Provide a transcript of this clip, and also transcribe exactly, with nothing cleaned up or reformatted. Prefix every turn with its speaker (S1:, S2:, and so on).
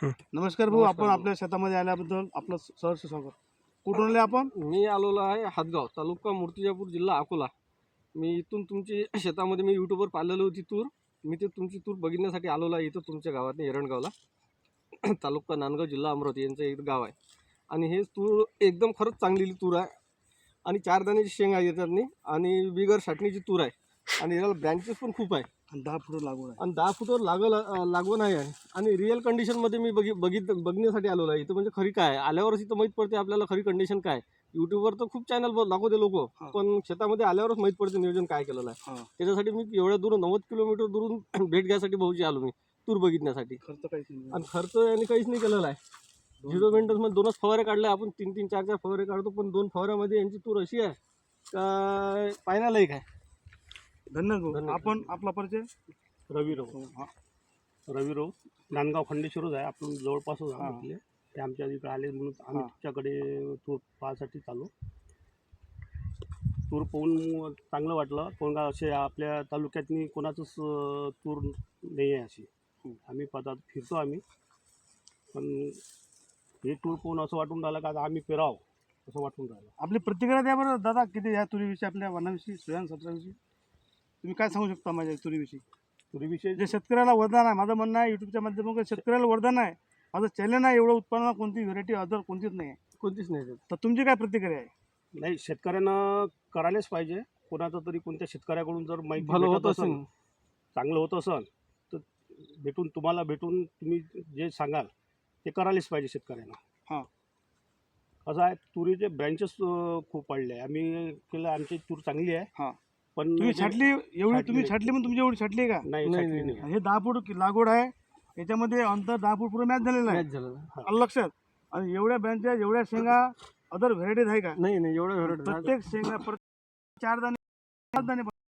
S1: नमस्कार भाऊ, आपण आपल्या शेतामध्ये आल्याबद्दल आपलं सहर्ष स्वागत. कुठून आले आपण?
S2: मी आलेलो आहे हातगाव तालुका मूर्तिजापूर जिल्हा अकोला. मी इथून तुमची शेतामध्ये मी यूट्यूबवर पाहिलेली होती तूर. मी ते तुमची तूर बघण्यासाठी आलेलो आहे इथं तुमच्या गावात एरणगावला. तालुका नांदगाव जिल्हा अमरावती यांचं एक गाव आहे. आणि हे तूर एकदम खरंच चांगली तूर आहे. आणि चार दाण्याची शेंगा येतात नाही आणि बिगर छाटणीची तूर आहे. आणि याला ब्रँचेस पण खूप आहे
S1: आणि दहा फूट लागवड आहे.
S2: आणि दहा फुटावर लागल लागवण आहे. आणि रिअल कंडिशनमध्ये मी बघी बघित बघण्यासाठी आलेलो आहे इथं. म्हणजे खरी काय आल्यावरच इथं माहीत पडते आपल्याला खरी कंडिशन काय. यूट्यूबवर तर खूप चॅनल दाखवते लोक, पण शेतामध्ये आल्यावरच माहीत पडते नियोजन काय केलेलं आहे. त्याच्यासाठी मी एवढ्या दूर नव्वद किलोमीटर दुरून भेट घ्यायसाठी भाऊची आलो मी तूर बघितण्यासाठी.
S1: खर्च काहीच नाही
S2: आणि खर्च यांनी काहीच नाही केलेला आहे. झिरो मेंटेन्समध्ये दोनच फवारे काढले आपण. तीन तीन चार चार फवारे काढतो, पण दोन फवाऱ्यामध्ये यांची तूर अशी आहे का पाहण्यालायक आहे.
S1: धन्यवाद. आपण आपला परिचय?
S3: रवी राव.
S1: हा.
S3: रवी राव नांदगाव खंडेश्वरच आहे, आपण जवळपासच आहे. ते आमच्या इकडे आले म्हणून आम्ही तुमच्याकडे तूर पाहायसाठी चालू. तूर पाहून चांगलं वाटलं. पण असे आपल्या तालुक्यातनी कोणाचंच तूर नाही आहे अशी. आम्ही पदार्थ फिरतो आम्ही, पण हे तूर पाहून असं वाटून राहिलं का आम्ही पेराव असं वाटून राहिलं.
S1: आपली प्रतिक्रिया द्या बरं दादा, किती या तुरीविषयी, आपल्या वनाविषयी, सोयान सत्राविषयी तुम्ही काय सांगू शकता माझ्या तुरीविषयी?
S3: तुरीविषयी
S1: जे शेतकऱ्याला वरदान आहे, माझं म्हणणं आहे यूट्यूबच्या माध्यमातून शेतकऱ्याला वरदान आहे. माझं चॅलेंज आहे, एवढं उत्पन्न कोणती व्हरायटी अदर कोणतीच नाही आहे.
S2: कोणतीच नाही.
S1: तर तुमची काय प्रतिक्रिया आहे?
S3: नाही, शेतकऱ्यांना करायलाच पाहिजे. कोणाचं तरी कोणत्या शेतकऱ्याकडून जर माहिती
S2: भलं
S3: भेटत
S2: होत
S3: असेल,
S2: असेल,
S3: चांगलं होत असेल तर भेटून तुम्हाला भेटून तुम्ही जे सांगाल ते करायलाच पाहिजे शेतकऱ्यांना.
S1: हां.
S3: कसं आहे, तुरीचे ब्रँचेस खूप वाढले आहे. आम्ही केलं, आमची तूर चांगली आहे.
S1: हां.
S3: पण
S1: तुम्ही छाटली एवढी, तुम्ही छाटली पण तुमची एवढी छाटली का?
S3: नाही,
S2: नाही,
S3: छाटली
S2: नाही.
S3: नाही.
S1: हे दहा फूट लागवड आहे, याच्यामध्ये अंतर दहा फूट पुढे मॅच झालेलं आहे.
S2: मॅच झालं.
S1: आलं लक्षात? आणि एवढ्या ब्रँचेस, एवढ्या शेंगा अदर व्हरायटीज आहे का?
S2: नाही नाही एवढं
S1: प्रत्येक शेंगा प्रत्येक चार दाणे पाच दाणे